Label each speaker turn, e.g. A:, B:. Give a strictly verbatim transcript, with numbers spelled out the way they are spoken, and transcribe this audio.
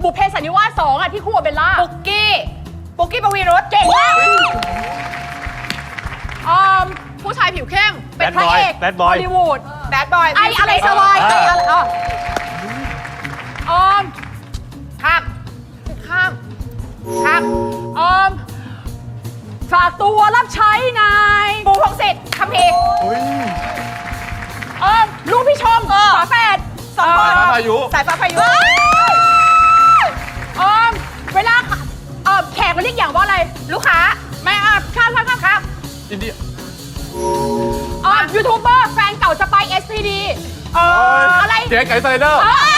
A: บุพเพสันนิวาสสองอ่ะที่คู่กับเบลล่า
B: ปุกกี้ปุกกี้ปวีรส
A: เก่งมากออมผู้ชายผิวเข้มเป็นพระเอก
C: Bad Boy
A: ฮอลลีวูด
B: แบดบอย
A: ไออะไรสวายไออะไรอ่ะออม
B: ข้าม
A: ข้าม
B: ข้าม
A: ออมฝากตัวรับใช้นาย
B: ปูพงศิษฐ์คัมภีร์
A: ออมลูกพี่ชมฝาแฝด
B: สองคน
C: สายฟ้าพายุ
B: สายฟ้าพายุ
A: ออมเวลาเออแขกมันเรียกอย่างว่าอะไร
B: ลูกค้า
A: ไม่อ่ะข้ามข้ามข้ามข้าม
C: อินเดีย
A: ออมยูทูบเบอร์แฟนเก่าสไปเอสพีดี
B: เออ
A: อะไร
C: เจ๊ไก่ไซเดอร์
A: เออ